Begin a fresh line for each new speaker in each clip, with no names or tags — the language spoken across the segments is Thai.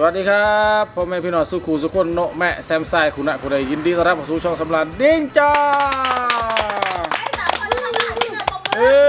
วัสดีครับพ่อแม่พี่น้องสุขุสุขคนโนแม่แซมไซคุณะคุณใดยินดีต้อนรับเข้าสู่ช่องสำราญดิ้งจ้าเอ้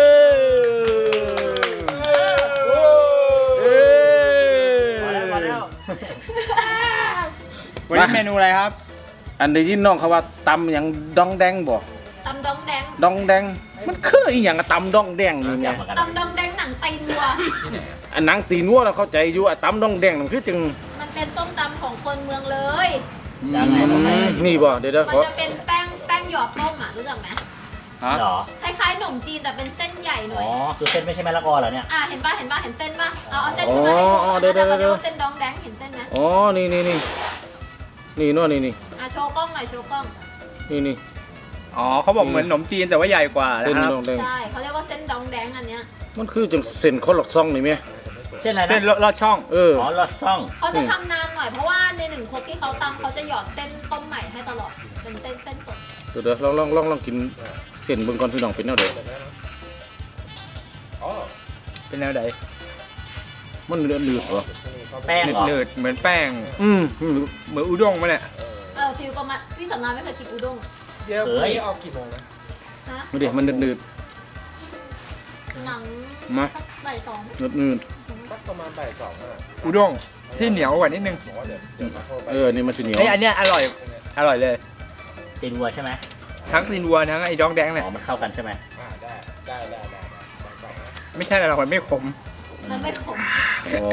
วันนี้เมนูอะไรครับ
อันได้ยินน้องเขาว่าตำอย่างดองแดงบ่
ตำดองแดง
ดองแดงมันคืออีหยังอะตำดองแดงนี่ไง
ตำดองแดงหนังไตนัว
อันหนังตีนัวเราเข้าใจอยู่อะตำดองแดงมันคือจัง
มันเป็นส้มตำของคนเมืองเลย
นี่บ่เดี๋ยว
มันจะเป็นแป้งหยอดต้มอ่ะรู้จักไหม
หรอ
คล้ายๆขนมจีนแต่เป็นเส้นใหญ่หน่อย
อ๋อคือเส้นไม่ใช่มะละกอเหรอเนี่ย
เห็นป่ะเห็นเส้นป่ะเอาเส้นขึ้นมาให้ดูเดี๋ยวเส้นดองแดงเห็นเส้นไหม
อ๋อนี่นัวนี่
โชว์กล้องหน่อยโชว์กล้อง
นี่
อ๋อเขาบอกเหมือนขนมจีนแต่ว่าใหญ่กว่า
เส้น
นะครับ
ดองแดง
ใช่เขาเรียกว่าเส้นดองแดงอันเนี้ย
มันคือจังเส้นคนหลอกซ่องนี่ไหม
เส้นอะไรนะ
เส้นลอดช่อง
อ๋อ
ลอดช่อง
เขาจะทำนานหน่อยเพราะว่าในหนึ่งครกที่เขาตำเขาจะหยอดเส้นต้มใหม่ให้ตลอดเป็นเส้นสด
เดี๋ยวลองกินเส้นเบิ่งก่อนพี่น้องเป็นแนวใด
เป็นแนวไหน
มันเลือดเหรอ
แป้งเหรอ
หนืดๆเหมือนแป้ง เหมือนอุด้งมาเนี่ย
ฟิลประมาณพี่สำราญไม่เคยกินอุด้ง
เดี๋ยวพรุ่งนี้ออกกี่โมงนะ
ฮะ
เดี๋ยวมันเลือด
หนัง
มา
สักบ่ายสอง
เลือด
สักประมาณบ่ายสองอ่ะ
อุด้งที่เหนียวกว่านิดนึง
เดี๋ยวมาโทรไป
นี่มันจะเหนียว
เฮ้ยอันเนี้ยอร่อยเลย
ตีนวัวใช่ไหม
ทั้งตีนวัวทั้งไอ้ดองแดงเนี่ย
อ๋อมันเข้ากันใช่ไหม
ไม่ใช่อร่อยไม่ขม
มันไม่ขม
อ๋อ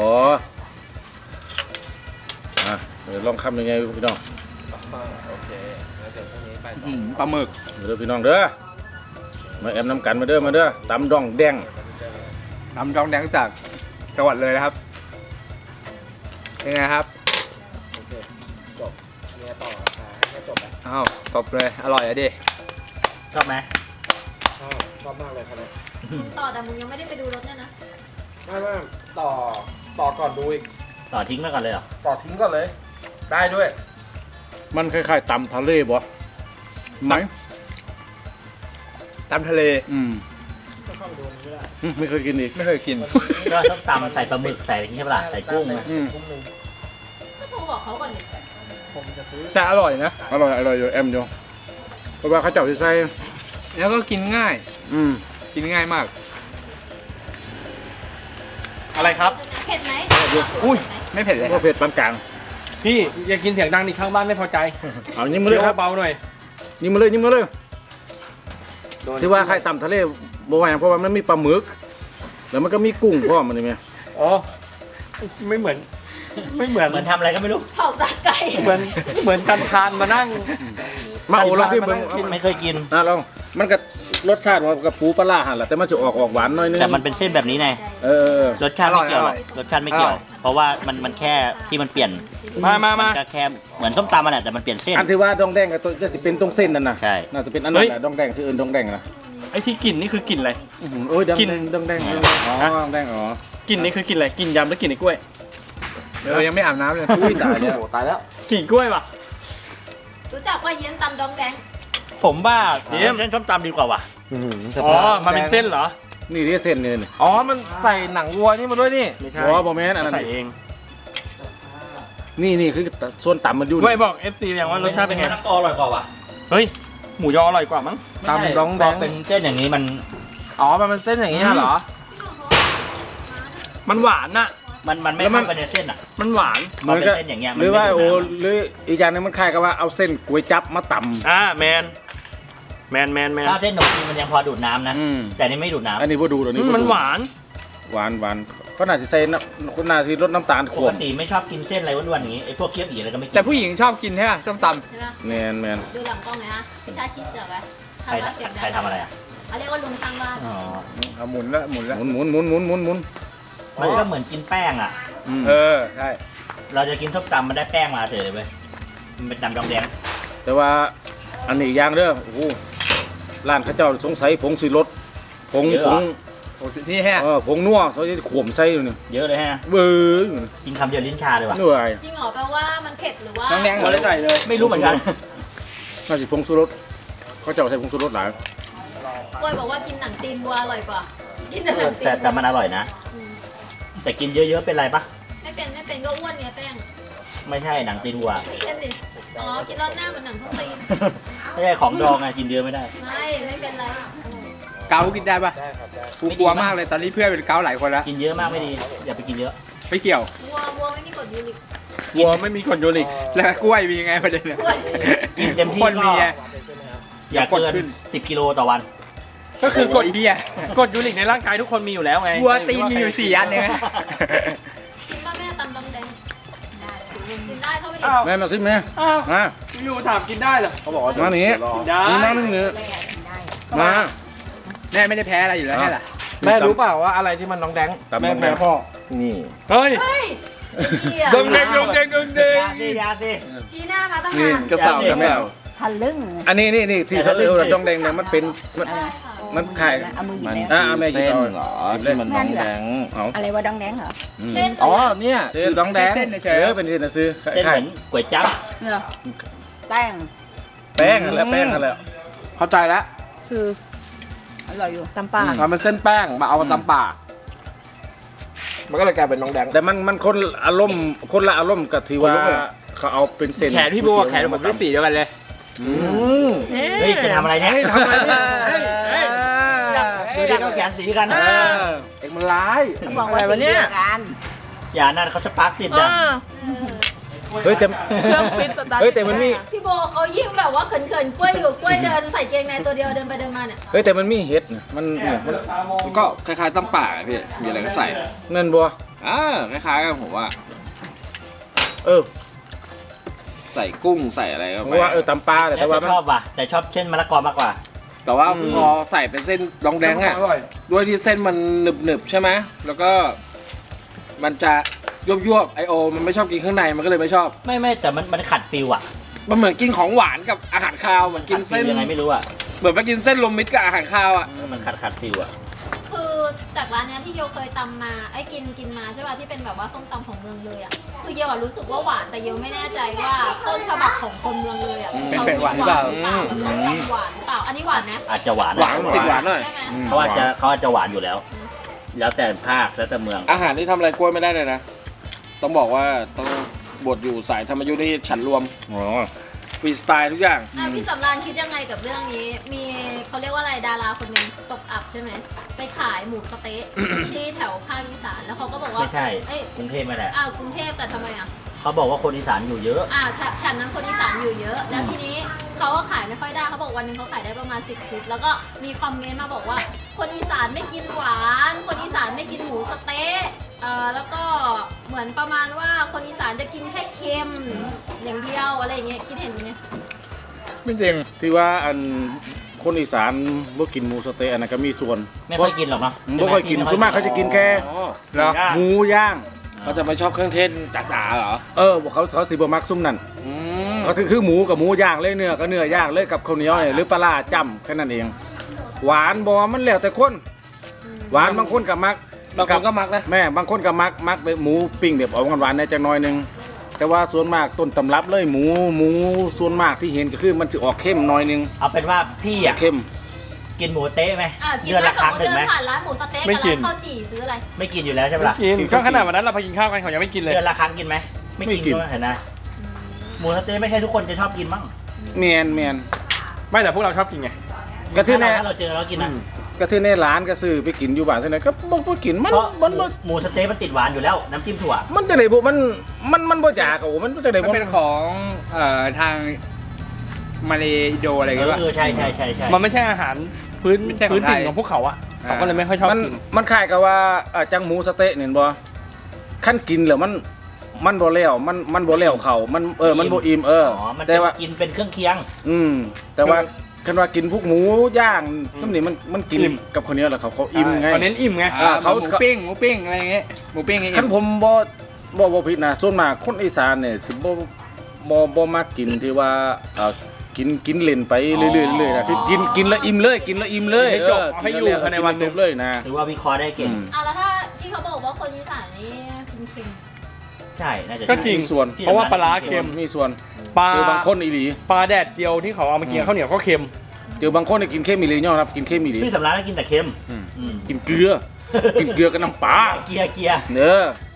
เดี๋ยวลองคำยังไงพี่น้อง
โอเคแล้วเดี๋ยวพรุ่งนี้บ่ายสอง
ปลาหมึก
เด้อพี่น้องเด้อมาแอมน้ำกันมาเด้อตำดองแดง
น้ำดองแดงจากจังหวัดเลยนะครับเป็นไงครับ
โอเคจบเนี่ยต่อให้จบแล้ว
อ้าวตบเลยอร่อยอะดิ
ชอบไหม
ชอบมากเลยครับเนี่ย
มึงต่อแต่มึงยังไม่ได้ไปดูรถเนี่ยนะ
ไม่ต่อก่อนดูอีก
ต่อทิ้งไปก่อนเลยเหรอ
ต่อทิ้งก่อนเลย ได้ด้วย
มันคล้ายๆตำทะเลบ่ไหม
ตำทะเล
ไม่เคยกินอีก
ไม่เคยกิน
ก็ต้องตำใส่ปลาหมึกใส่อะไรอย่างเงี้ยเปล่าใส่กุ้งนะ
ก็โทรบอกเขาก่อนดิ
แต่อร่อยนะ
อร่อยอยู่แอมอยู่เพราะว่าเขาเจ้าที่ใส่
แล้วก็กินง่าย กินง่ายมาก อะไรครับ
เผ็ดไหม
อุ้ยไม่เผ็ดเลย
ก็เผ็ดปานกลาง
พี่อย่ากินเสียงดังดิข้างบ้านไม่พอใจ
เอายิ้มมาเลยครับ
เบาหน่อย
ยิ้มมาเลยที่ว่าใครตำทะเลบ่ว่าหยังเพราะว่ามันมีปลาหมึกแล้วมันก็มีกุ้งพร้อมมันนี่แม่
อ๋อไม่เหมือน
เหมือนทำอะไรก็ไม่รู้
เผาสาไก่
เหมือนกันทานมานั่ง
มาเอาลองสิเบิ่ง
ไม่เคยกิน
ลองมันก็รสชาติว่ากับปูปลาร้าหั่นแหละแต่มันจะออกหวานหน่อยนึง
แต่มันเป็นเส้นแบบนี้ไง รสชาติไม่เกี่ยวหรอกรสชาติไม่เกี่ยว เพราะว่ามันแค่ที่มันเปลี่ยน
มา
มันก็แค่เหมือนส้มตำมันแหละแต่มันเปลี่ยนเส้น
อันที่ว่าดองแดงกับตัวจะเป็นตรงเส้นนั่นน่ะ
ใช่
น่าจะเป็นอันนั้นแหละดองแดงที่อื่นดองแดงนะ
ไอ้ที่กลิ่นนี่คือกลิ่นอะไร
โอ้ยดอง
กิน
ดองแดงอ๋อดองแดงอ๋อก
ลิ่นนี่คือกลิ่นอะไรกลิ่นยำหรือกลิ่นไอ้กล้วย
ยังไม่อาบน้ำเลย
อุ้ยตายแล้ว
ตายแล้วกลิ่นกล้วยป่ะ
รู้จักว่าเย็นตำดองแดง
ผมว่า
เส้นส้มตำดีกว่าว่ะ
อ๋อมันเป็นเส้นเหรอ
นี่ที่เส้นนี่นี่
อ๋อมันใส่หนังวัวนี่มาด้วยนี่
ไม่ใช่
อ๋อบ่แม่นอันนั้น
ใส่เอง
นี่คือส่วนต่ำมันอยู่
ไม่บอก FC อย่างว่ารสชาติเป็นไง
มะละกออร่อยกว่าว่ะ
เฮ้ยหมูยออร่อยกว่ามั้ง
ตำดองแดงเป็นเส้นอย่างนี้มัน
อ๋อมันเป็นเส้นอย่างนี้เหรอ มันหวานน่ะ
มันไม่เข้าไปในเส้นอ่ะ
มันหวาน
เหมือนกับ
เป็นเส้นอย่างเงี้ยมัน
หรือว่า
ไม่ดูด
โอ้
น้ำ
หรืออีกอย่างหนึงมันคล้ายกับว่าเอาเส้นก๋วยจั๊บมาต่ำ
แมน
ถ้าเส้นขนมจีนมันยังพอดูดน้ำนะ แต่นี่ไม่ดูดน้ำ
อันนี้บ่ดูตัวนี้บ่ดู
มันหวาน
หวานก็น่าจะใส่น้ำก็น่าจะลดน้ำตาลข
ป
ว
ก
ม
ติไม่ชอบกินเส้นอะไรอ้วนๆอย่างนี้ไอ้พวกเคี๊ยวอีอะไรก็ไม่กิน
แต่ผู้หญิงชอบกินใช่ไหมส้มต
ใช่ปะ
แมน
ดูหลังกล้องเลยนะพี่ชาคิดเสือกไว้
ใคร
ทำว่าเสียงดัง
ใครทำอะไรอ่ะ
เขาเรียกว่าลุงข้างบ้าน
อ๋อ
ำเอาหมุนแล้วหมุนแล้ว
หมุน
มันก็เหมือนกินแป้งอ่ะ
ใช่
เราจะกินส้มตำมันได้แป้งมาเฉยเลยเว้ยมันเป็นตำดองแดง
แต่ว่าอันนี้อีกอย่างเด้อโอ้โหร้านเขาเจ้าสงสัยผงสีรสผง
โอ้นี่แฮะ
ผงนัวเขาจะขวมใส่อยู่นี่
เยอะเลยฮะ
เบ้อ
กินคำเดียวลิ้นชาเลยว่ะ
เหนื่อย
จริงเหรอแปลว่ามันเผ็ดหรือว่า
น้องแดง
เราได้ใส่เลย
ไม่รู้เหมือนกัน
น่าจะผงชูรสเขาเจ้าใส่ผงชูรสหลาย
กล้วยบอกว่ากินหนังตีนวัวอร่อยกว่า กินแต่หนังตีน
แต่มันอร่อยนะ
อืม
แต่กินเยอะๆเป็นไรปะ
ไม่เป็นก็อ้วนไงแป้ง
ไม่ใช่หนังตีนวัว
เช่นดิอ๋อกินแล้วหน้าเหมือนหนังส้มตีน
ไม่ใช่ของดองไงกินเยอะไม่ได้
ไม่เป็นไร
เกากินได้ปะกูกลัวมากเลยตอนนี้เพื่อนเป็นเกาหลายคนแล้ว
กินเยอะมากไม่ดีอย่าไปกินเยอะ
ไม่เกี่ยว
วัวไม่มีกรดยูริก
วัวไม่มีคอนโยลิก
แล้วกล้วยมียังไงประเด็นเนี่ย
กล้วย
กินเต็มที่
คน
ก็
มีไง
อย่าเกิ
อย่ากดขึ้
น
น
10 กิโลต่อวัน
ก็คือกด
เฮีย
กดยูริกในร่างกายทุกคนมีอยู่แล้วไง
วัวตีนมีอยู่4 อันเองนะ
กินป้าแม่ตำดองแดงกินได้เข้าไปดิ
อ้าว
แม่มาสิแม่
อ้าว
มา
อยู่ถามกินได้เหรอ
เขาบอกว่ามาหนี
กินได้
นี่มาหนึ่งเนี่ยมา
แม่ไม่ได้แพ้อะไรอยู่แล้วใช่เหรอ
แม่รู้เปล่าว่าอะไรที่มันน้องแดง
ตำ
แม่
น้องแดง
แพ้พ่อ
นี่
เฮ้ย
เฮ้ยเหี้ย
ดงแดงดงแดงดงแดง
ยาสิยาสิ
ชี้หน้ามาตั้ง
นี่
นาน
กระเสา
อย่า
แม่
ทะลึ่ง
อันนี้นี่ที่เขาเรียกว่าดองแดงเนี่ยมันเป็นมันขาย
เอามือหยิบแล้ว
แม่หยิบ
เส้น
เอา
เหรอที่มันน้องแดง
เอา
อะไรวะดองแดงเหรอ
เช่น
อ๋อเนี่ย
เส้นดองแดงเป็นเส้นนะซื้อ
เส้นเหมือนก๋วยจั๊บ
เหรอแป้ง
แป้งแล้วแป้งแล้ว
เข้าใจแล้ว
คืออร่อยอยู่ตำป่า
ทำเป็นเส้นแป้งมาเอามาตำป่ามันก็เลยกลายเป็นน้องแดง
แต่มันคนอารมณ์คนละอารมณ์กับที่ว่าเขาเอาเป็นเส้น
แขนพี่โบกับแขนผมได้สีเดียวกันเลย
เฮ้ยจะทำอะไรเนี่ย
ทำอะไรเนี่ยเฮ้ย
ดูดิเขาแขนสีกัน
เอ็งมันร้าย
เขาบอกว่าสีเดียวกัน
อย่านั่นเขาสปาร์กติดนะ
เฮ้ยแต่เฮ้ยแต่มันมี
พี่โบเขายิ่งแบบว่าเขินๆกล้วยอยู่กล้วยเดินใส่เกงในตัวเดียวเดินไปเดินมาเนี่ย
เฮ้ยแต่มันมีเห็ดนะมัน
มันก็คล้ายๆตำป่าอะพี่มีอะไรก็ใส่
เงินบัว
คล้ายๆกันผมว่า
เออ
ใส่กุ้งใส่อะไรก็
ผม
ไป
ว่าตำปลาแต่
แต่
ว่า
ชอบว่ะแต่ชอบเส้นมะละกอมากกว่า
แต่ว่าพอใส่เป็นเส้นดองแดงอ่ะ
อร่อย
ด้วยที่เส้นมันหนึบๆใช่ไหมแล้วก็มันจะยวบๆไอโอมันไม่ชอบกินข้างในมันก็เลยไม่ชอบ
ไม่แต่มันขัดฟิลอ่ะ
มันเหมือนกินของหวานกับอาหารคาวเหมือนกิ
ขั
น
ดฟิ
เส้
ล
น
ยังไงไม่รู้อ่ะ
เหมือนไปกินเส้นรวมมิตรกับอาหารคาวอ่ะ
มันขัดฟิลอ่ะ
คือจากร้านเนี้ยที่โยเคยตำมาไอ้กินมาใช่ป่ะที่เป็นแบบว่าส้มตำของเมืองเลยอ่ะคือโยอะรู้สึกว่าหวานแต่โยไม่แน่ใจว่าต้นฉบับของคนเมืองเลยอ่ะ
เป็นหวานหรือเปล่า
แล้วต้มตำหวานหรือเปล่าอันนี้หวานนะ
อาจจะหวาน
หวานติดหวานหน่อย
ใช่ไหม
เขาอาจจะหวานอยู่แล้ว แล้วแต่ภาคแล้วแต่เมือง
อาหารที่ทำอะไรกล้วยไม่ได้เลยนะ ต้องบอกว่าต้องบทอยู่สายธรรมยุทธ์ที่ฉันรวม
อ๋อ
ฟรีสไตล์ทุกอย่าง
พี่สำราญคิดยังไงกับเรื่องนี้ มีเขาเรียกว่าอะไรดาราคนหนึ่งตกอับใช่ไหมไปขายหมูสะเต๊ะ ที่แถวภาคอีสานแล้วเขาก็บอกว่า
ไม่ใช่
เอ้ย
กรุงเทพไม่แหละ
กรุงเทพแต่ทำไมอ่ะ
เขาบอกว่าคนอีสานอยู่เยอะ
แถบนั้นคนอีสานอยู่เยอะ แล้วทีนี้เขาก็ขายไม่ค่อยได้เขาบอกวันหนึงเขาขายได้ประมาณ10 ชุดแล้วก็มีคอมเมนต์มาบอกว่า คนอีสานไม่กินหวาน คนอีสานไม่กินหมูสะเต๊ะแล้วก็เหมือนประมาณว่าคนอีสานจะกินแค่เค็มอย่างเดียวอะไรอย่างเงี้ยคิดเห็นไหม
ไม่จริง
ที่ว่าอันคนอีสานบ่กินหมูสะเต๊ะอันนั้นก็มีส่วน
ไม่ค่อยกินหรอกเนาะ
บ่ค่อยกินส่วนมากเขาจะกินแค่
เหรอ
หมูย่าง
เขาจะไม่ชอบเครื่องเทศจ๋าๆเหรอ
เขาสิบ่มักซุ่มนั่น
อืม
เขาคือหมูกับหมูย่างเลยเนื้อก็เนื้อย่างเลยกับข้าวเหนียวเนี่ยหรือปลาร้าจ้ำแค่นั้นเอง หวานบ่มันแล้วแต่คนหวานบางคนก็มัก
บางคนก็มักนะ
แม่บางคนก็มักแบบหมูปิ้งแบบออกหวานๆในจังน้อยหนึงแต่ว่าส่วนมากต้นตำรับเลยหมูส่วนมากที่เห็นก็คือมันจะออกเข้มหน้อยหนึง
เอาเป็นว่าพี่อ่ะ
เข้ม
กินหมูเต๊ะไหม
กิน
เดือน
ไหม
ละครั้ง
สมม
ถึ
ติ
งไหม
เดินผ่านร้านหมูสะเต๊ะ
ไม่
กับ
กิ
ร้าน นข้าวจี่ซื้ออะไร
ไม่กินอยู่แล้วใช่ไหมล่ะ
กินก็ขนาดวันนั้นเราไปกินข้าวกันเขายังไม่กินเลย
เดือนละครั้งกินไหมไม่กินก็เห็นนะหมูสะเต๊ะไม่ใช่ทุกคนจะชอบกินมั้ง
แมน
ไม่แต่พวกเราชอบกินไง
กระทือใน
ถ้าเราเจอเรากินนะ
กระทือในร้านก็ซื้อไปกินอยู่บ้านเท่านั้นก็บ่กินมัน
เพราะ
มัน
หมูสะเต๊ะมันติดหวานอยู่แล้วน้ำจิ้มถั่ว
มันจะไหนบ่มันบ่อยากอ่ะมันจะไหน
มัน
บ่
เป็นของทางมาเลอินโดอะไรกันวะ
ใช่
มันไม่ใช่อาหารพื้น
ไม่ใช่ของ
พื้นถิ่น
ไทย
ของพวกเขาอะเขาก็เลยไม่ค่อยชอบ
มัน
กิน
มันคล้ายกับว่าจังหมูสะเต๊ะเนี่ยบ่ขั้นกินแล้วมันบ่แล้วมันบ่แล้วเขามันมันบ่อิ่ม
อ๋อมัน
แต่ว่า
กินเป็นเครื่องเคียง
แต่ว่าคันว่ากินพวกหมูย่างทั้งนี้มันกินกับข้าวเหนียวแล้วเขาอิ่มไง
เขาเน้นอิ่มไง
เขา
หมูปิ้งอะไรอย่างเงี้ยหมูปิ้งอย่าง
คั
เงี้
น
ย
ผมบ่ผิดนะส่วนมากคนอีสานเนี่ยสิบ่มักกินที่ว่ากินเล่นไปเรื่อยๆเลยนะที่กินแล้วอิ่มเลยกินแล้วอิ่มเลย
ให้จบให้อยู่ภายในวันหนึ่ง
จบเลยนะ
ถือว่าวิเคราะห์ได้เก่ง
แล้วถ้าที่เขาบอกว่าคนอีสานนี่กินเค็ม
ใช่น่าจะ
ก็จริง
มีส่วน
เพราะว่าปลาร้าเค็ม
มีส่วน
ปลา
คือบางคนอีหลี
ปลาแดดเดียวที่เขาเอามากินกับข้าวเหนียวก็เค็ม
เดี๋ยวบางคนเนี่ยกินเค็มอีหลียอมรับกินเค็มอีหลี
พี่สำราญกินแต่เค็ม
กินเกลือ กินเกลือกับน้ำปลา
เกียร์
เนื้อ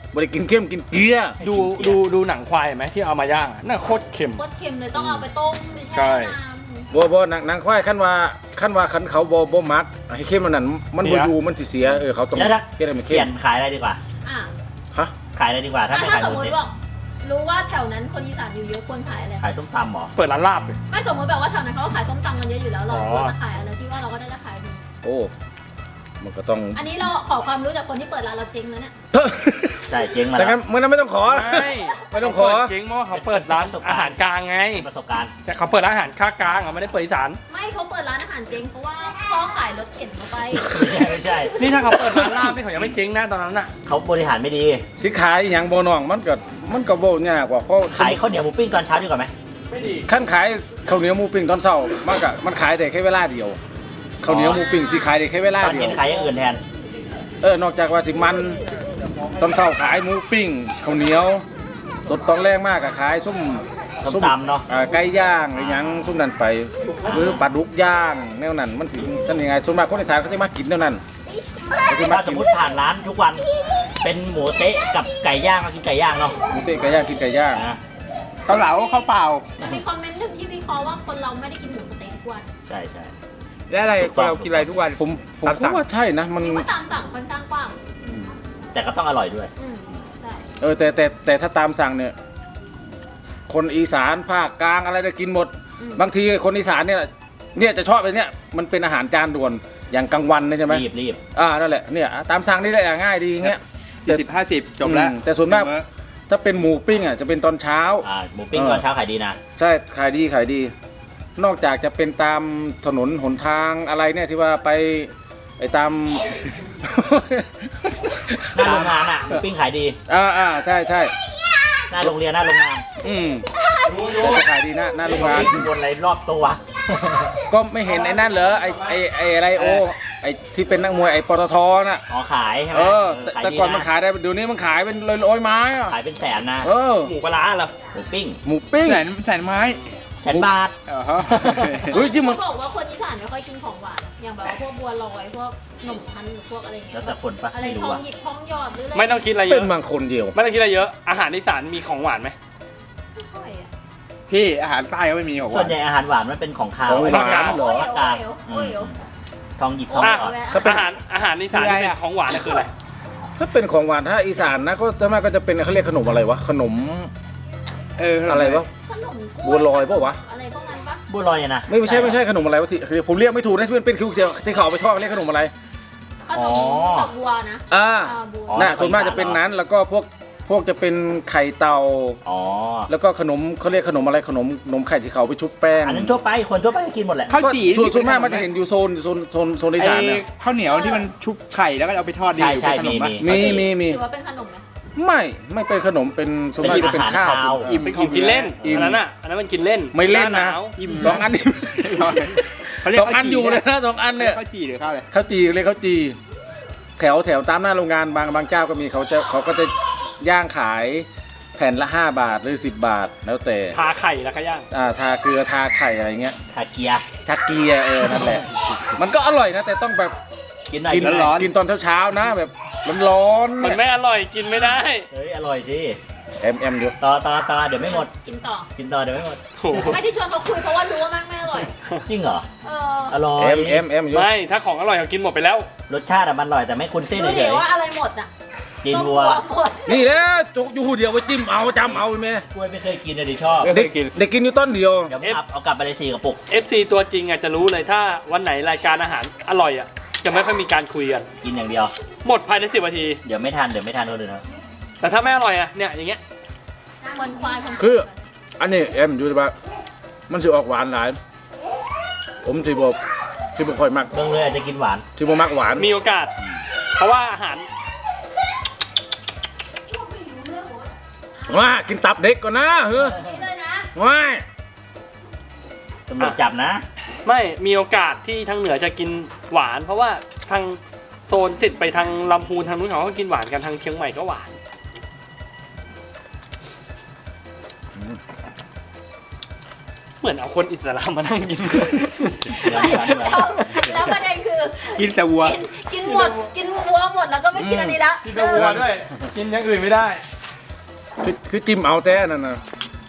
บ่ได้กินเข้มกินเกลือ
ดูหนังควายไหมที่เอามาย่างน่าโคตรเค็ม
โคตรเค็มเลยต้องเอาไปต้มไป
ใช่
แช่น้ำ
บ่นางควายคันว่าคันเขาบ่มักให้เข้มมันนั่นมันบ่อยู่มันสิเสียเขาต้อง
เดี๋ยวนะ
เฮ็ดให้มัน
เป
เข้
ลี่ย
ม
นขายอะไรดีกว่า
อ่ะ
ฮะ
ขายอะไรดีกว่าถ้าไม่
ถ้า
ขาย
ส
ห
ม
มู
ม
สะ
ติ
เต๊ะ
ว่ารู้ว่าแถวนั้นคนอีสานอยู่เยอะควรขายอะไร
ขายส้มตำเหรอ
เปิดร้านลาบเลย
ไม่สมมติแบบว่าแถวนั้นเขาก็ขายส้มตำกันเยอะอยู่แล้วเรา
อ๋อ
ควรจะขายอะไรที่ว่าเราก็ได้ราคาดี
โอ้มันก็ต้อง
อันนี้เราขอความรู้จากคนที่เปิดร้านเราเจ๊งแล้วเนี่ย
ใช่เจ๊งมา
แต่
แล้ว
งั้นมันไม่ต้องขอ ไม่ต้องขอ
เปิดเจ๊งเพราะว่าเขาเปิดร้านอาหารกลางไง
ประสบการณ์
ใช่เขาเปิดร้านอาหารค่ากลางอ่ะไม่ได้เปิดอีสาน
ไม่เขาเปิดร้านอาหารเจ๊งเพราะว่าพ่อขายรถเข็นเข้าไป
ไม่ใช่
นี่ถ้าเขาเปิดร้านลาบนี่เขายังไม่เจ๊งนะตอนนั้นน่ะ
เขาบริหารไม่ดี
สิขายอย่างบ่น้องมันก็บ่ยากกว่าเพราะ
ขายข้าวเหนียวหมูปิ้งตอนเช้าดีกว่าไหม
ขั้นขายข้าวเหนียวหมูปิ้งตอนเช้ามันขายได้แค่เวลาเดียวข้าวเหนียวหมูปิ้งสิขายได้แค่เวลา
ตอน
เดีย
เย็
วน
ขายอย่างอื่นแทน
นอกจากว่าสิมันตอนเช้าขายหมูปิ้งข้าวเหนียวตอนแรกมากก็ขายส้ม
ส้มตำเนาะ
ไก่ย่างอะไรหยังส้มนั่นไปหรือปลาดุกย่างแนวนั้นมันถึงท่านยังไงส่วนมากคนอีสานเขาจะมากินแนวนั้นเขาจะมา
ถ้าส
กิ
ม
น
มติผ่านร้านทุกวัน เป็นหมูเต๊ะกับไก่ย่างมากินไก่ย่างเนาะ
หมูเต๊ะไก่ย่างกินไก่ย่าง
นะ
เกาเหลาข้าวเปล่า
มันมีคอมเมนต์หนึ่งที่วิเคราะห์ว่าคนเราไม่ได้กินหมูสะเต๊ะทุกวัน
ใช่ใช่
แล้วอะไรคนเรากินอะไรทุกวัน
ผมก็ว่าใช่นะมัน
นี่ว่าตามสั่งค่อนข้างกว้าง
แต่ก็ต้องอร่อยด้วย
ใช่
แต่ถ้าตามสั่งเนี่ย คนอีสานภาคกลางอะไรจะกินหมด บางทีคนอีสานเนี่ยจะชอบไอ้เนี่ยมันเป็นอาหารจานด่วนอย่างกลางวันเนี่ยใช่ไหม
รีบ
นั่นแหละเนี่ยตามสั่งนี่แหละง่ายดีอย่างเงี้ย
40-50 จบแล้ว
แต่ส่วนมากถ้าเป็นหมูปิ้งจะเป็นตอนเช้า
หมูปิ้งตอนเช้าขายดีนะ
ใช่ขายดี นอกจากจะเป็นตามถนนหนทางอะไรเนี่ยที่ว่าไปไอ้ตาม
หน้าโรงงานอ่ะหมูปิ้งขายดี
ใช่
หน้าโรงเรียนหน้าโรงงาน
แต่จะขายดีนะหน้าโรงงาน
บนอะไรรอบตัว
ก็ไม่เห็นไอ้นั่นเหรอไอ้อะไรไอ้ที่เป็นนักมวยไอ้ปตทน่ะ
อ๋อขายใช่ไหม
แต่ก่อนมันขายได้เดี๋ยวนี้มันขายเป็นร้อยไม้อะ
ขายเป็นแสนนะ
หมูปลาร้าเหรอ
หมูปิ้ง
หมูปิ้ง
แสนไม้
แสนบาท
เฮ้ยจริงมัน
เขาบอกว่าคนอีสานไม่ค่อยกินของหวานอย่างแบบว่าพวกบัวลอยพวกขนมชั้นหรือพวกอะไรเงี้
แล้
ยว
แต่คนปะ
อะไร
ไม่
ท
รู้
อง
อ่ะ
หยิบทองหยอดหรืออะไร
ไม่ต้องคิดอะไรเย
เป็น
อะ
บางคนเดียว
ไม่ต้องคิดอะไรเยอะอาหารอีสานมีของหวานไหม
ไม่ค่อยอะ
พี่อาหารใต้ก็ไม่มีของห
ส่ว
วาน น
ใหญ่อาหารหวานมันเป็นของคาว
ของหวานเหรอ
ภาคกลาง
โอ้ย
ทองหยิบทองหยอด
ถ้าเป็น
อาหารอีสานที่เป็นของหวานน่ะคืออะไร
ถ้าเป็นของหวานถ้าอีสานนะก็ส่วนมากก็จะเป็นเขาเรียกขนมอะไรวะขนมอะไรวะ
ขนมก
บัวลอยปะวะ
อะไรพวกนั้นปะ
บัวลอยอะนะ
ไม่ใช่ขนมอะไรวะที่คือผมเรียกไม่ถูกนะที่มันเป็นคิวที่เขาเอาไปทอดเรียกขนมอะไร
ขนมจากบัวนะ บัว
น่ะส่วนมากจะเป็นนั้นแล้วก็พวกจะเป็นไข่เต่า
อ๋อ
แล้วก็ขนมเขาเรียกขนมอะไรขนมไข่ที่เขาไปชุบแป้ง
อันนั้นทั่วไปคนทั่วไปก็กินหมดแหละ
ข้าวจี่
ส่วนมากมันจะเห็นอยู่โซนอีสานเนี่ย
ข้าวเหนียวที่มันชุบไข่แล้วก็เอาไปทอดดี
ใช่
เป็นขนมปะ
มี
ถือว่าเป็นขนมไหม
ไม่เป็นขนมเป็นส่วนมากจะเป็นข้าว
เป็นของกินเล่น
อิ่ม
อันนั้นมันกินเล่น
ไม่เล่น
หา
นะ
หาว
อิ่ม
สองอันนี่
เขาเรียก
สองอันอยู่เลยนะสองอัน
เรี
เนี่ย ย
กข้าวจี่หรือข้าวอะไร
ข้าวจีเรียกข้าวจีแถวตามหน้าโรงงานบางเจ้าก็มีเขาก็จะย่างขายแผ่นละ5 บาทหรือ10 บาทแล้วแต่
ทาไข่แล้วก็ย่าง
ทาเกลือทาไข่อะไรเงี้ย
ขาเกียร์
ทาเกียร์นั่นแหละ มันก็อร่อยนะแต่ต้องแบบ
กินหน่อย
กิน
ร้อน
กินตอนเช้าๆนะแบบร้อนๆ
มัน
เนี่ย
ไม่อร่อยกินไม่ได้
เฮ้ยอร่อยสิ
เอ็มอยู่
ต่อเดี๋ยวไม่หมด
กินต่อ
กินต่อเดี๋ยวไม่หมด
โอ้โห
ไม่ที่ชวนเขาคุยเพราะว่ารู้ว่ามันไม่อร่อย
จริงเหรอ อ
อ
ร่อย
เอ็มอยู่
ไม่ถ้าของอร่อยเขากินหมดไปแล้ว
รสชาติอะมันอร่อยแต่ไม่คุ้นเส้น
รู้
เฉ
ดิ
ย
ว่าอะไรหมดอ่ะ
ๆกินวัว
หมด
นี่แหละจุกอยู่หูเดียวไปจิ้มเอาจำเอาแม่
กล้วยไม่เคยกินเลยดิชอบ
เด็กกินอยู่ต้นเดียว
เดี๋ยวเอากลับไปเลย4 กระปุก
FC ตัวจริงอ่ะจะรู้เลยถ้าวันไหนรายการอาหารอร่อยอ่ะจะไม่ค่อยมีการคุยกัน
กินอย่างเดียว
หมดภายใน10 นาที
เดี๋ยวไม่ทันคนอื่นนะ
แต่ถ้าไม่อร่อยอ่ะเนี่ยอย่างเงี้ย
มันควายคน
คืออันนี้เอ็มอยู่ที่ว่ามันสิออกหวานหลาย ผมสิบ่ค่อยมัก
เบิ่งเลยอาจจะกินหวาน
สิบ่มักหวาน
มีโอกาส เพราะว่าอาหาร
ว่ากินตับเด็กก่อนนะเฮ้ย
นี่เลยนะ
ว้าย
ตำรวจจับนะ
ไม่มีโอกาสที่ทางเหนือจะกินหวาน เพราะว่าทางโซนติดไปทางลำพูนทางนู้นเขาก็กินหวานกันทางเชียงใหม่ก็หวาน เหมือนเอาคนอิสลามมานั่งกิน
แล้วประเด็นคือ
กินแต่วัว
กินหมดกินวัวหมดแล้วก็ไม่กินอันนี้ละ
กินแต่วัวด้วย กินอย่างอื่นไม่ได้
คือจิ้มเอาแต่นั่นนะ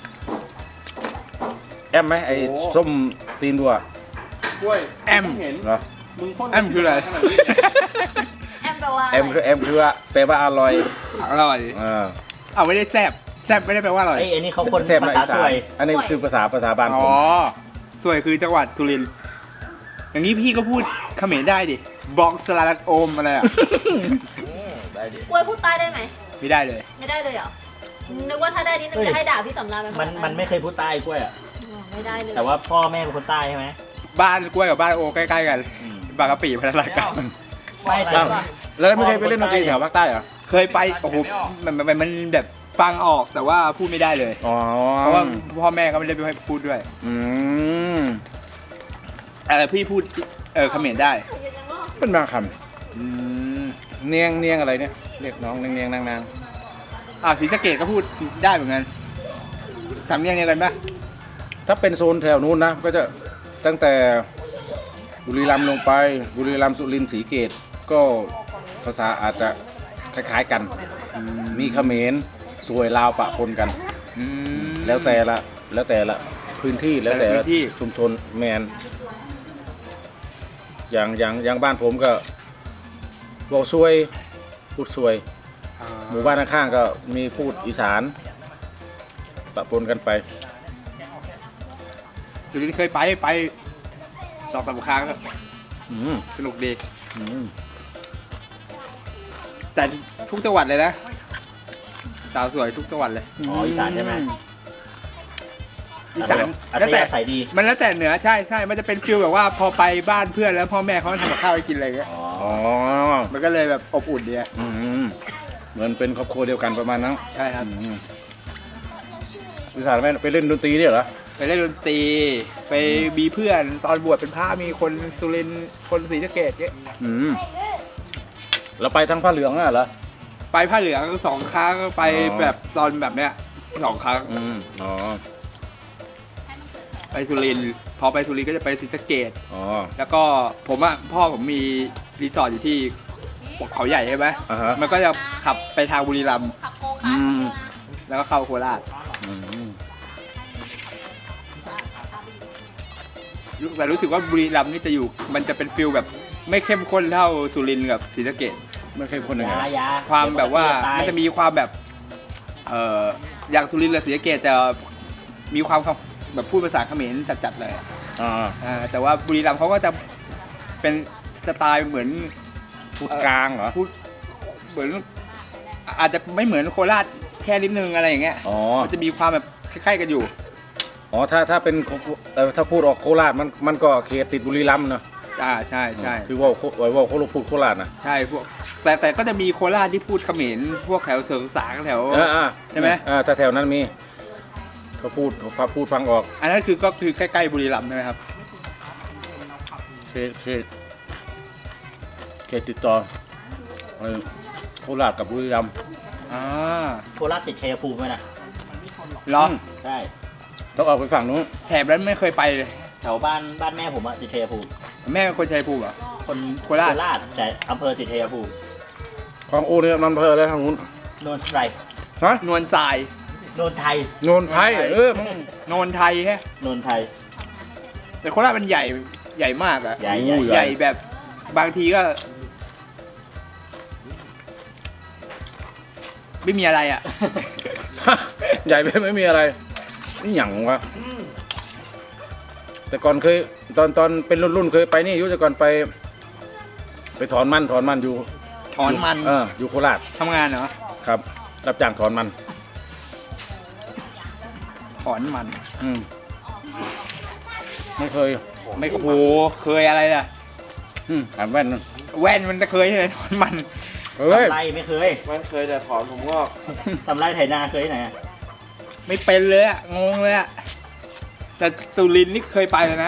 แอมไหมไอ้ส้มตีนวัว
กล้วย
แอม
เห็น
เหรอ
มึงพ่น
แอมคืออะไร
ขนาดนี้
แอมแปลว่า
แอมคือว่าแปลว่าอร่อย
อร่อย
อ่า
เอาไม่ได้แซ่บแซ่บไม่ได้แปลว่าอร่อย
ไอ้อันนี้เขาคน
แซ่บ
ภา
มา
ษา
อีสา
สวน ย
อันนี้คือภาษาบ้านผ
อ๋อ
ม
สวยคือจังหวัดสุรินทร์อย่างนี้พี่ก็พูดเขมรได้ดิบอกสลัดโอมอะไรอ่ะ
กล้วยพูดใต้ได้ไหม
ไม่ได้เลย
ไม่ได้เลยเหรอ นึกว่าถ้าได้นิดนึงจะให้ด่าพี่สำราญเป็นภา
มัน
ษาใต้
มันไม่เคยพูดใต้กล้วยอ่ะ
อ๋อไม่ได้เลย
แต่ว่าพ่อแม่เป็นคนใต้ใช่ไหม
บ้านกล้วยกับบ้านโอใกล้ๆกัน
อืม
บางกะปิพัฒนาการ
ไม่แต่
อ้าวแล้วไม่เคยไปเล่นดนตรีแถวภาคใต้เหรอ
เคยไปโอ้โหมันแบบฟังออกแต่ว่าพูดไม่ได้เลย
อ๋อ
เพราะว่าพ่อแม่ก็ไม่ได้ให้พูดด้วย
อืม
แต่พี่พูดเขมรได้
เป็นบางค
อืม
ำเนียงอะไรเนี่ยเรียกน้องเนียงนาง
ศรีสะเกษก็พูดได้เหมือนกันสำเนียงเดียวกันปะ
ถ้าเป็นโซนแถวนู้นนะก็จะตั้งแต่บุรีรัมย์ลงไปบุรีรัมย์สุรินทร์ศรีเกตก็ภาษาอาจจะคล้ายๆกัน มีเขมรสวยลาวปะปนกัน
อืม
แล้วแต่ละพื้นที่แล้วแต่
แต่ละพื้
ละ
นที่
ชุมชนแมนอย่างบ้านผมก็บอกซวยพูดซวย หมู่บ้านข้างๆก็มีพูดอีสานปะปนกันไป
สุรินทร์เคยไป2-3 ครั้งครับ
อืม
สนุกดี
อืม
แต่ทุกจังหวัดเลยนะสาวสวยทุกจังหวัดเลย
อ๋ออีสานใช่ไหม
อีสาน
อัธ
แล้วแต่
ยาศัยดี
มันแล้วแต่เหนือใช่มันจะเป็นฟิลแบบว่าพอไปบ้านเพื่อนแล้วพ่อแม่เขาทำกับข้าวให้กินอะไรเงี้ย
อ๋อ
อ๋อ
มันก็เลยแบบอบอุ่นดีอะ
อืมเหมือนเป็นครอบครัวเดียวกันประมาณนั้น
ใช่ครับ
อืมอีสานไปเล่นดนตรีเนี่ยเหรอ
ไปเล่นดนตรีไปมีเพื่อนตอนบวชเป็นพระมีคนสุรินทร์คนศรีสะเกษเงี้ย
อืมแล้วไปทั้งผ้าเหลืองน่ะเหรอ
ไปผ้าเหลือง2 ครั้งไป
อ๋อ
แบบตอนแบบเนี้ย2 ครั้ง
อืมอ๋อ
ไปสุรินทร์พอไปสุรินทร์ก็จะไปศรีสะเกษ
อ๋อ
แล้วก็พ่อผมมีรีสอร์ทอยู่ที่เขาใหญ่ใช่ไหม
อ่าฮะ
มันก็จะขับไปทางบุรีรัมย์
ขับโคคาร์ท
อืม
แล้วก็เข้าโคราช
อืม
แต่รู้สึกว่าบุรีรัมย์นี่จะอยู่มันจะเป็นฟิลแบบไม่เข้มข้นเท่าสุรินทร์กับศรีสะเกษ
ไม่เคยคนหนึ่ง
ยา
ไง
ยา
ความแบบว่า
ตย
มันจะมีความแบบอย่างสุรินทร์กับศรีสะเกษจะมีความแบบพูดภาษาเขมรจัดๆเลย
อ่า
แต่ว่าบุรีรัมย์เขาก็จะเป็นสไตล์เหมือน
พูดกลางเหรอ
พูดเหมือนอาจจะไม่เหมือนโคราชแค่นิดนึงอะไรอย่างเงี้ย
อ๋อ
มันจะมีความแบบคล้ายๆกันอยู่
อ๋อถ้าเป็นถ้าพูดออกโคราชมันก็เขตติดบุรีรัมย์เนอะ
ใช่ใช่
คือว่าเขาพูดโคราชนะ
ใช่พวกแต่ก็จะมีโคราชที่พูดเขมรพวกแถวเสริงสางแถว ใช่ไหม
ถ้าแถวนั้นมีเขาพูดฟังออก
อันนั้นก็คือใกล้ๆบุรีรัมย์ใช่ไหมครับ
เขตติดต่อโคราชกับบุรีรัมย์
อ่า
โคราชติดชัยภูมิไหมนะ
เหรอ
ใช่
ต้องออกไปฝั่งนู้น
แถบนั้นไม่เคยไปเลย
แถวบ้านแม่ผมอะติดชัยภูมิ
แม่เป็นคนชัยภูมิเหรอ
คน
โคราช
แต่อำเภอติดชัยภูมิ
ของโอเนี่ยมันเพอแล้วทางนู้น
โนนไทร
ฮะ
นวลทราย
โนนไทย
โนนไทยมึง
โนนไทยแฮะ
โนนไทย
แต่โคราชมันใหญ่มากอะ
ใหญ่
ใหญ่แบบบางทีก็ ไม่มีอะไรอะ
ใหญ่ไปไม่มีอะไรนี่หยังวะแต่ก่อนเคยตอนเป็นรุ่นเคยไปนี่อยุแต่ก่อนไปถอนมันอยู่
ถอนมัน
อยู่โคราช
ทำงานเหรอ
ครับ รับจ้างถอนมัน
ถอนมัน
อืมไม่เคย
ไม่โอ้โหเคยอะไรล่ะ
อ่านแว่นนั่น
แว่นมันจะเคยใช่ไหมถอนมัน
เฮ้ย
ทำไรไม่เคย
มันเคยแต่ถอนผมงอก
ทำไรไถนาเคยที่ไหนอะ
ไม่เป็นเลยอะงงเลยอะแต่สุรินทร์นี่เคยไปเลยนะ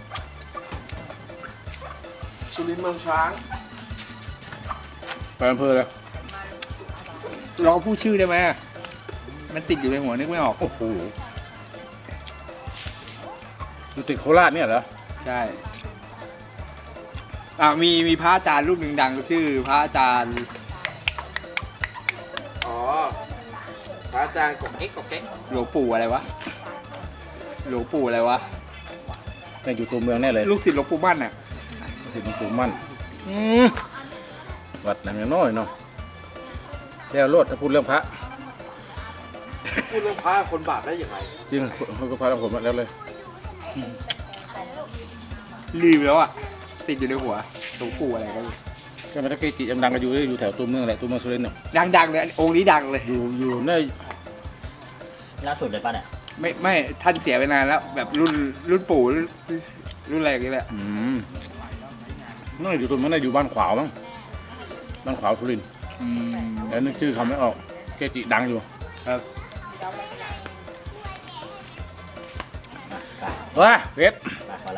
สุรินทร์เมืองช้าง
ไปอำเภอเลย
ลองพูดชื่อได้ไหมอะมันติดอยู่ในหัวนึกไม่ออก
โอ้โหอยู่ติดโคราชเนี่ยเหรอ
ใช่มีพระอาจารย์รูปหนึ่งดังชื่อพระอาจารย์
อ๋อพระอาจารย์กบเก๊กกบเก๊ก
หลวงปู่อะไรวะหลวงปู่อะไรวะ
ในอยู่ตัวเมืองแน่เลย
ลูกศิษย์หลวงปู่มั่นอ่ะ
สิหลวงปู่มั่นวัดหนังน้อยเนาะแล้วโลดถ้าพูดเรื่องพระ
พูดเรื่องพระคนบาปได้ยังไง
จริงเขาก็พาเราผมมาแล้วเลย
ลืมแล้วอ่ะติดอยู่ในหัวหลวงปู่อะไรกัน
ใช่ไหมถ้าเกจิดังๆก็อยู่แถวตัวเมืองแหละตัวเมืองสุรินทร์เนี่ย
ดังเลยองค์นี้ดังเลย
อยู่ใน
ล่าสุดเลยป่ะเนี่ย
ไม่ท่านเสียไปนานแล้ว แบบรุ่นปู่รุ่นอะไรอย่างเงี้ยแหละ
น่าอยู่ตัวเมืองน่าอยู่บ้านขวาวมั้งบ้านขวาวสุรินทร์แล้วนึกชื่อเขาไม่ออกเกจิดังอยู่
ครับ
ว้าเพชร
มาพอละ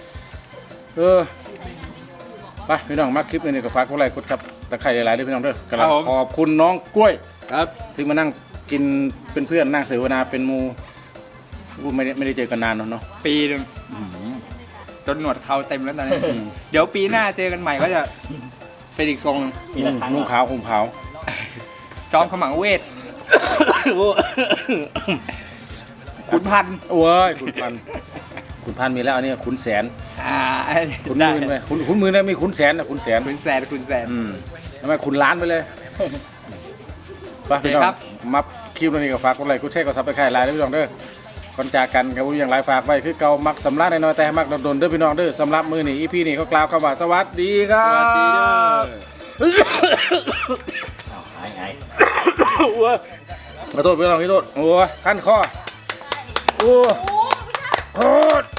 ไปพี่น้องมาคลิปนี้ก็ฝากกดไลค์กดซับตะไคร้หลายๆด้วยพี่น้องเด้อกำลังขอบคุณน้องกล้วย
ครับ
ที่มานั่งกินเป็นเพื่อนนั่งเสวนาเป็นหมูไม่ได้เจอกันนานเนาะ
ปีหนึงจนหนวดเขาเต็มแล้วตอนนี้ เดี๋ยวปีหน้าเจอกันใหม่ก็จะเป็นอีกทรงหนึ่ง
ปีละครั้ง
นุ่งขาวห่มขาว
จอมขมังเวทขุนพันธุ์
โอ้ยขุนพันมีแล้วอันนี้ขุนแสนขุน
ได้
หมื่นไปขุนหมื่นได้มีขุนแสนนะขุนแสน
ขุนแสนขุนแสน
ทำไมขุนล้านไปเลยไปพี่น้อง
ครับ
มาคลิปนี้ก็ฝากกดไลค์กดแชร์กดซับสไครต์หลายด้วยพี่น้องเด้อก่อนจากกันกับผู้อย่างไรฝากไว้คือเก่ามักสำลักน้อยๆแต่มักโดนๆเด้อพี่น้องเด้อสำหรับมือนี่อีพีนี่เขากล่าวคำว่าสวัสดีครับ
สวัสดีเด้อ
อ้าวหาย
ขอโทษพี่น้องขอโทษโอ้ยขั้นคอโอ้โทษ